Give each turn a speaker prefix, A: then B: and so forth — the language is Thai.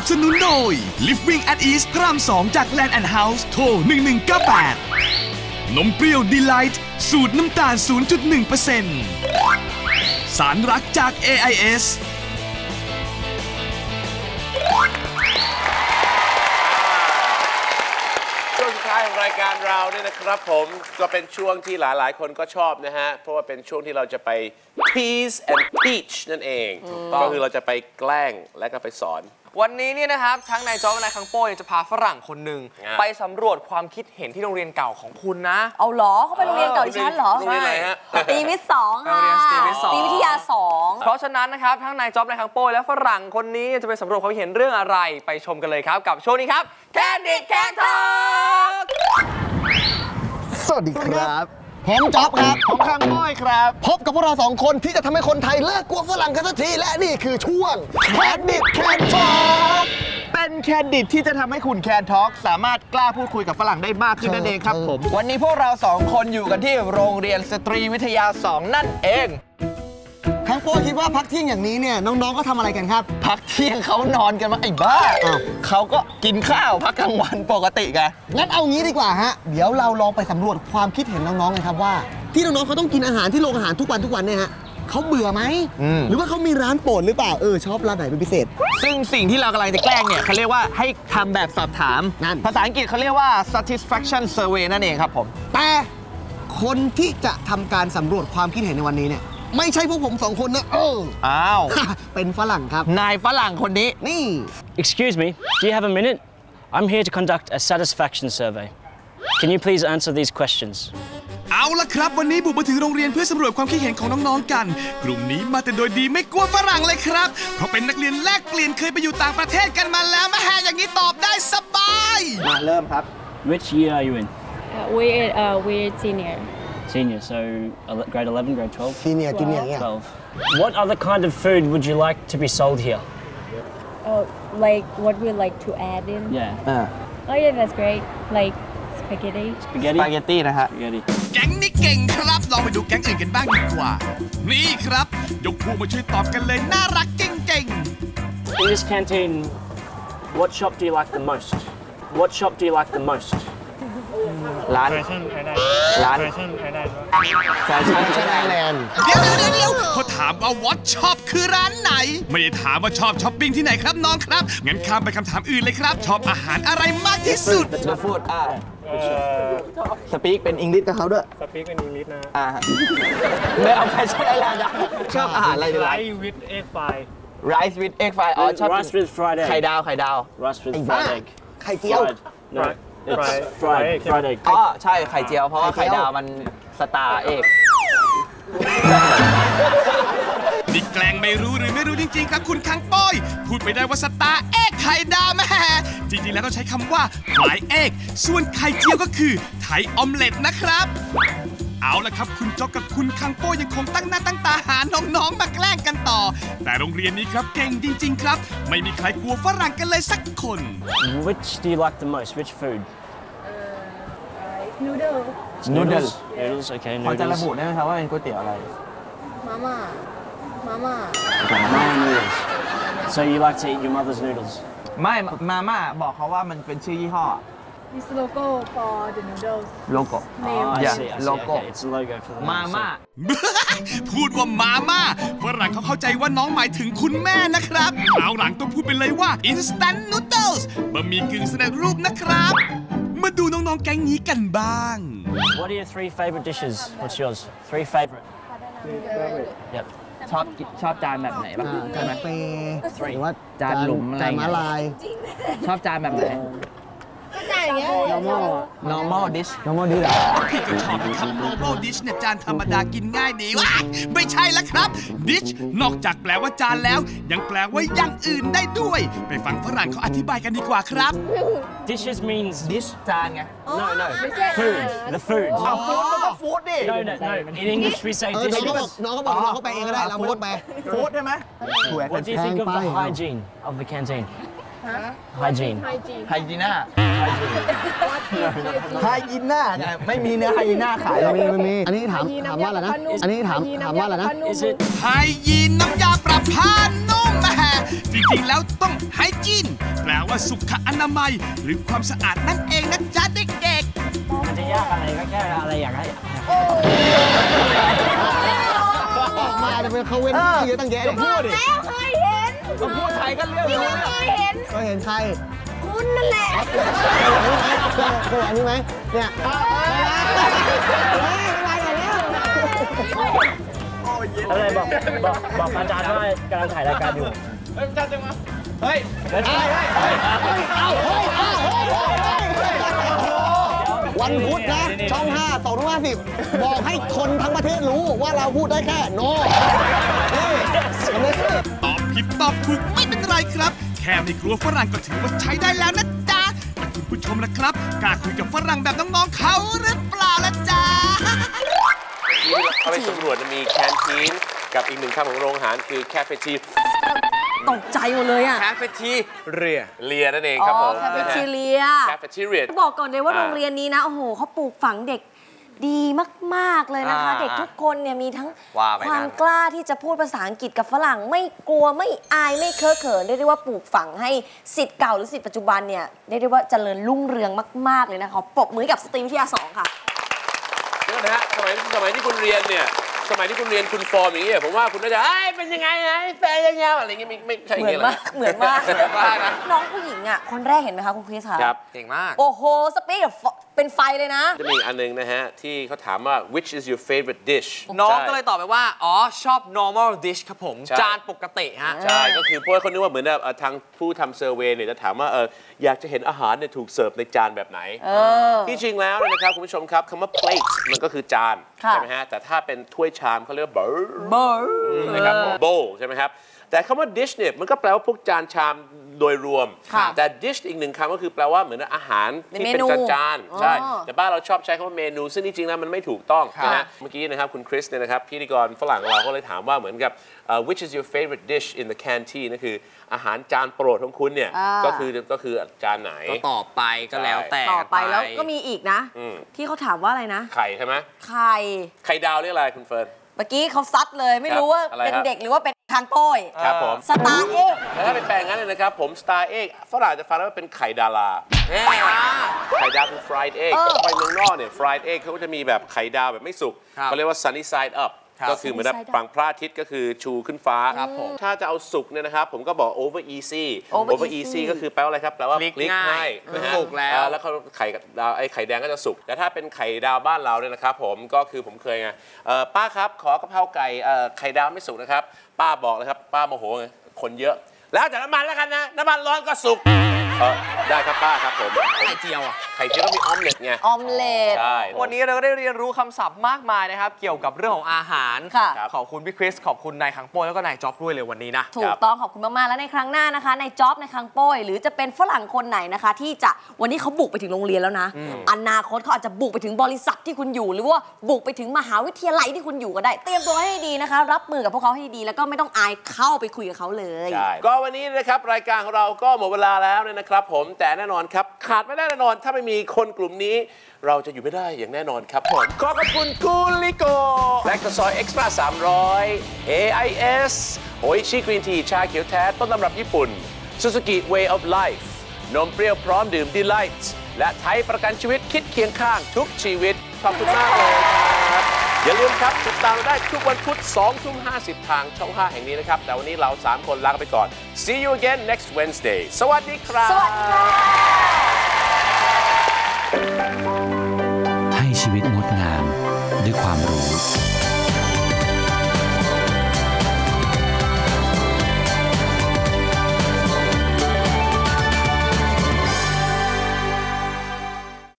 A: สนุนโดย Living at Ease พระราม 2 จาก Land and House โทร 1198 นมเปรี้ยว Delight สูตรน้ำตาล 0.1% สารรักจาก AIS
B: รายการเราเนี่ยนะครับผมก็เป็นช่วงที่หลายๆคนก็ชอบนะฮะเพราะว่าเป็นช่วงที่เราจะไป tease and teach นั่นเองก็คือเราจะไปแกล้งและก็ไปสอน
C: วันนี้เนี่ยนะครับทั้งนายจ๊อบและนายคังโป้จะพาฝรั่งคนหนึ่งไปสำรวจความคิดเห็นที่โรงเรียนเก่าของคุณนะ
D: เอาเหรอเขาไปโรงเรียนเก่าดิฉันเหรอ
B: โรงเรียนไหนฮะ
D: สตรีวิทย์ 2ค่ะ
C: สตรีวิทย์ 2
D: สตรีวิทยา 2
C: เพราะฉะนั้นนะครับทั้งนายจ๊อบนายคังโป้และฝรั่งคนนี้จะไปสำรวจความเห็นเรื่องอะไรไปชมกันเลยครับกับโชว์นี้ครับ Candid Cat Talk
E: สวัสดีครับผมจ๊อบครับผมคังโป้ครับพบกับพวกเราสองคนที่จะทำให้คนไทยเลิกกลัวฝรั่งกันสักทีและนี่คือช่วง Candid Cat Talk เป็นแคนดิดที่จะทำให้คุณแคนทอล์กสามารถกล้าพูดคุยกับฝรั่งได้มากขึ้นนั่นเองครับผมวันนี้พวกเราสองคนอยู่กันที่โรงเรียนสตรีวิทยา 2 นั่นเองคังโป้คิดว่าพักเที่ยงอย่างนี้เนี่ยน้องๆก็ทำอะไรกันครับพักเที่ยงเขานอนกันมาไอ้บ้าเขาก็กินข้าวพักกลางวันปกติไงงั้นเอางี้ดีกว่าฮะเดี๋ยวเราลองไปสำรวจความคิดเห็นน้องๆกันครับว่าที่น้องๆเขาต้องกินอาหารที่โรงอาหารทุกวันเนี่ยฮะเขาเบื่อไหมหรือว่าเขามีร้านโปรดหรือเปล่าชอบร้านไหนเป็นพิเศษซึ่งสิ่งที่เรากำลังจะแกล้งเนี่ยเขาเรียกว่าให้ทำแบบสอบถามนั่นภาษาอังกฤษเขาเรียกว่า satisfaction survey นั่นเองครับผมแต่คนที่จะทำการสำรวจความคิดเห็นในวันนี้เนี่ยไม่ใช่พวกผมสองคนนะอ้าวเป็นฝรั่งครับนายฝรั่งคนนี้นี่
F: Excuse me, do you have a minute? I'm here to conduct a satisfaction survey. Can you please answer these questions?
A: เอาล่ะครับวันนี้บุกมาถึงโรงเรียนเพื่อสำรวจความคิดเห็นของน้องๆกันกลุ่มนี้มาแต่โดยดีไม่กลัวฝรั่งเลยครับเพราะเป็นนักเรียนแลกเปลี่ยนเคยไปอยู่ต่างประเทศกันมาแล้วมาแฮอย่างนี้ตอบได้สบาย
E: มาเริ่มครับ
F: Which year are you in?
G: We're senior.
F: Senior, so grade 11, grade 12?
E: Senior, junior, yeah.
F: 12. What other kind of food would you like to be sold here?
G: Like what we like to add in?
F: Yeah.
G: Oh yeah, that's great. Like spaghetti.
F: Spaghetti?
E: Spaghetti นะฮะ
F: Spaghetti.
A: แก๊งนี้เก่งครับลองไปดูแก๊งอื่นกันบ้างดีกว่านี่ครับยกพวกมาช่วยตอบกันเลยน่ารักเก่งๆ
F: In this canteen, what shop do you like the most? What shop do you like the most?
E: ร้านร้านแฟชั่นไอแลนด์
A: เดี๋ยวเขาถามว่า what shop คือร้านไหนไม่ได้ถามว่าชอบช้อปปิ้งที่ไหนครับน้องครับงั้นข้ามไปคำถามอื่นเลยครับชอบอาหารอะไรมากที่สุด
E: The food สปีกเป็นอังกฤษกับเขาด้วย
C: สปีกเป็นอังกฤษนะ
E: ไม่เอาแฟชั่นไอแลนด์ชอบอาหารอะไรดี
C: Rice with egg fry
E: Rice with egg fry ชอบ
F: Rice with fried egg
E: ไข่ดาว
F: Rice with fried egg
E: ไข่เจียว
F: No, it's fried egg
E: ใช่ไข่เจียวเพราะว่าไข่ดาวมันสตาร์เอก
A: นี่แกล้งไม่รู้หรือไม่รู้จริงๆครับคุณคังโป้ยพูดไปได้ว่าสตาร์เอ็กไข่ดาวแม่จริงๆแล้วต้องใช้คำว่าฟลายเอ็กส่วนไข่เจียวก็คือไทยออมเล็ตนะครับเอาละครับคุณจ๊อกกับคุณคังโป้ยังคงตั้งหน้าตั้งตาหาน้องๆมาแกล้งกันต่อแต่โรงเรียนนี้ครับเก่งจริงๆครับไม่มีใครกลัวฝรั่งกันเลยสักคน
F: Which do you like the most? Which food?
G: Noodles.
F: Noodles, okay.
E: พอจะระบุได้ไหมครับว่าเป็นก๋วยเตี๋ยวอะไร
G: Mama.
F: Mama noodles. So you like to eat your mother's noodles?
E: ไม่มาม่าบอกเขาว่ามันเป็นชื่อยี่ห้อ
G: It's logo for the noodles.
E: โลโก้
F: I see. Okay, it's a logo for the
E: มาม่า
A: พูดว่ามาม่าฝรั่งเขาเข้าใจว่าน้องหมายถึงคุณแม่นะครับคราวหลังต้องพูดไปเลยว่า instant noodles บะหมี่กึ่งสำเร็จรูปนะครับมาดูน้องๆแก๊งนี้กันบ้าง
F: What are your 3 favorite dishes? What's yours? 3 favorite. Yep.
E: ชอบจานแบบไหนบ้างใช่ไหมหรือว่าจานหลุมอะไรจานมะลายชอบจานแบบไหนnormal dish
A: พี่ก็ชอบนะครับ normal dish เนี่ยจานธรรมดากินง่ายดีวะไม่ใช่ละครับ dish นอกจากแปลว่าจานแล้วยังแปลว่าอย่างอื่นได้ด้วยไปฟังฝรั่งเขาอธิบายกันดีกว่าครับ
F: Dishes means
E: dish จานไง
F: No food the food
E: ฟู้ดมันก็ฟู้ดดิ
F: No in English we say dish
E: น้องเขาไปเองก็ได้เราพูดไปฟู้ดใช่ไหม
F: What do you think of the hygiene of the canteen Hygiene.
E: ไฮยีน่าไฮยีน่าไม่มีเนื้อไฮยีน่าขายไม่มีอันนี้ถามว่าอะไรนะอันนี้ถามว่าอะไรนะ
F: Is it
A: ไฮยีนน้ำยาปรับผ้านุ่มจริงๆแล้วต้องไฮจีนแปลว่าสุขอนามัยหรือความสะอาดนั่นเองนะจ๊ะเด็กๆ
F: มันจะยากอะไรก็แค่อะไรอยากให้
E: ออกมาจะเป็นเขาเว้นที่เยอะตั้งแยะเลยพูดดิ
D: แล้วเคยเห็น
C: พูดไทยก็เรื่อง
D: พี่
C: รู้
D: เคยเห็น
E: เคยเห็นใคร
D: คุณนั่นแหละ
E: เคยอันนี้ไหมเนี่ย
F: อะไรบอกอาจารย์ว่ากำลังถ่ายรายการอยู่
C: เฮ้ย
E: วันพุธนะช่อง 5 250บอกให้คนทั้งประเทศรู้ว่าเราพูดได้แค่โนนี่เห็นไหม
A: ตอบผิดตอบถูกไม่เป็นไรครับ แค่ไม่กลัวฝรั่งก็ถือว่าใช้ได้แล้วนะจ๊ะแต่คุณผู้ชมล่ะครับกล้าคุยกับฝรั่งแบบน้องๆเขาหรือเปล่าล่ะจ๊ะ
B: ที่เขาไปสำรวจมีแคนทีนกับอีกหนึ่งคำของโรงอาหารคือแคเฟที
D: ตกใจหมดเลยอ่ะ
C: แคเฟทีเรีย
B: เรียนั่นเองครับผม
D: แคเฟทีเรีย
B: แคเฟทีเรีย
D: บอกก่อนเลยว่าโรงเรียนนี้นะโอ้โหเขาปลูกฝังเด็กดีมากๆเลยนะคะ เด็กทุกคนเนี่ยมีทั้ง
C: ว่าไป
D: ความ
C: นะ
D: กล้าที่จะพูดภาษาอังกฤษกับฝรั่งไม่กลัวไม่อายไม่เคอะเขินเรียกได้ว่าปลูกฝังให้ศิษย์เก่าหรือศิษย์ปัจจุบันเนี่ยเรียกได้ว่าเจริญรุ่งเรืองมากๆเลยนะคะขอปรบมือให้กับสตรีวิทยา2ค่ะ
B: เดี๋ยวนะฮะสมัยที่คุณเรียนเนี่ยสมัยที่คุณเรียนคุณฟอร์มอย่างนี้ผมว่าคุณน่าจะเป็นยังไงไงแฟนยังไงอะไรเงี้ยไม่ใช่อย่าง
D: เหมือ
B: เงี้
D: น
B: ย
D: มากเหมือนมาก
C: นะ
D: น้องผู้หญิงอ่ะคนแรกเห็นไหมคะคุณคริสคะ
B: ครับ
C: เก่งมาก
D: โอ้โหสปีดแบบเป็นไฟเลยนะ
B: จะมีอีกอันหนึงนะฮะที่เขาถามว่า which is your favorite dish
C: น้อง
B: ใช่
C: ก็เลยตอบไปว่า อ๋อ ชอบ normal dish ครับผม
B: ใช่
C: จานปกติฮะ
B: ใช่ก็คือเพราะว่าเขานึกว่าเหมือนแบบทางผู้ทำเซอร์เวย์เนี่ยจะถามว่าอยากจะเห็นอาหารเนี่ยถูกเสิร์ฟในจานแบบไหนที่จริงแล้วเนี่ยนะครับคุณผู้ชมครับคำว่า plate มันก็คือจาน
D: ค่ะ
B: ใช่ไหมฮะแต่ถ้าเป็นถ้วยชามเขาเรียกว่า bowl
D: เบอร์
B: นะครับ bowl ใช่ไหมครับแต่คำว่า dish เนี่ยมันก็แปลว่าพวกจานชามโดยรวม
D: ค่ะ
B: แต่ dish อีกหนึ่งคำก็คือแปลว่าเหมือนอาหารที่เป็น
D: เมนู
B: จานๆใช่
D: อ๋อ
B: แต่บ้านเราชอบใช้คำว่าเมนูซึ่งจริงๆแล้วมันไม่ถูกต้อง
C: ครับ
B: นะฮะเมื่อกี้นะครับคุณคริสเนี่ยนะครับพิธีกรฝรั่งเราก็เลยถามว่าเหมือนกับwhich is your favorite dish in the canteen นั่นคืออาหารจานโปรดของคุณเนี่ยก็คือจานไหน
C: ก็ตอบไปก็แล้วแต่
D: ต่อไปแล้วก็มีอีกนะ ที่เขาถามว่าอะไรนะ
B: ไข่ใช่ไหม
D: ไข่
B: ไข่ดาวเรียกอะไรคุณเฟิร์น
D: เมื่อกี้เขาซัดเลยไม่รู้ว่า
B: อะไร
D: เป็น
B: ครับ
D: เด็กหรือว่าเป็นทางโป้ย
B: ครับผม
D: สตาร์เอก
B: แล้วถ้าเป็นแปลงงั้นเลยนะครับผมสตาร์เอ็กฝรั่งจะฟังว่าเป็นไข่ดาราไข่ดาวคือ fried egg ไปเมืองนอกเนี่ย fried egg เขาก็จะมีแบบไข่ดาวแบบไม่สุก
C: ครับ
B: เขาเรียกว่า sunny side up ก็คือเหมือนแบบฝั่งพระอาทิตย์ก็คือชูขึ้นฟ้า
C: ครับผม
B: ถ้าจะเอาสุกเนี่ยนะครับผมก็บอก over easy
D: over
B: easy ก็คือแปลว่าอะไรครับแปลว่า
C: พลิก
B: พลิก
C: ง่าย
B: ให้นะฮะ
C: สุกแล้ว
B: แล้วเขาไข่ดาวไข่แดงก็จะสุกแต่ถ้าเป็นไข่ดาวบ้านเราเนี่ยนะครับผมก็คือผมเคยไงป้าครับขอกะเพราไก่ไข่ดาวไม่สุกนะครับป้าบอกเลยครับป้าโมโหไงคนเยอะ แล้วจากน้ำมันแล้วกันนะน้ำมันร้อนก็สุกได้ครับป้าครับผม
C: ไข่เจียวอ่ะ
B: ไข่เจียวก็มีออมเล็ตไง
D: ออมเล็ต
B: ใช่
C: วันนี้เราก็ได้เรียนรู้คำศัพท์มากมายนะครับ เกี่ยวกับเรื่องของอาหาร
D: ค่ะ
C: ขอบคุณพี่คริส ขอบคุณนายขังโป้ยแล้วก็นายจ๊อบด้วยเลยวันนี้นะ
D: ถูกต้องขอบคุณมาก ๆ แล้วในครั้งหน้านะคะ ในจ็อบในคังโป้ย หรือจะเป็นฝรั่งคนไหนนะคะ ที่จะวันนี้เขาบุกไปถึงโรงเรียนแล้วนะ อนาคตเขาอาจจะบุกไปถึงบริษัทที่คุณอยู่ หรือว่าบุกไปถึงมหาวิทยาลัยที่คุณอยู่ก็ได้ เตรียมตัวให้ดีนะคะ รับมือกับพวกเขาให้ดีแล้วก็ไม่ต้องอายเข้าไปคุยกับเขาเลย
B: ใช่ก็วันนี้นะครับรายการของเราก็หมดเวลาแล้วเนี่ยนะครับผมแต่แน่นอนครับขาดไม่ได้แน่นอนถ้าไม่มีคนกลุ่มนี้ เราจะอยู่ไม่ได้อย่างแน่นอนครับผมขอขอบคุณกูลิโกแลคโตซอยเอ็กซ์ตร้า300 AIS โออิชิกรีนทีชาเขียวแท้ต้นตำรับญี่ปุ่น Suzuki Way of Life นมเปรี้ยวพร้อมดื่ม Delight และไทยประกันชีวิตคิดเคียงข้างทุกชีวิตขอบคุณมากเลยครับอย่าลืมครับติดตามเราได้ทุกวันพุธ 20:50 ทางช่อง 5 แห่งนี้นะครับแต่วันนี้เรา 3 คนลาไปก่อน See you again next Wednesday สวัสดีครับ
D: สวัสดีค่ะ
H: ให้ชีวิตงดงามด้วยความรู้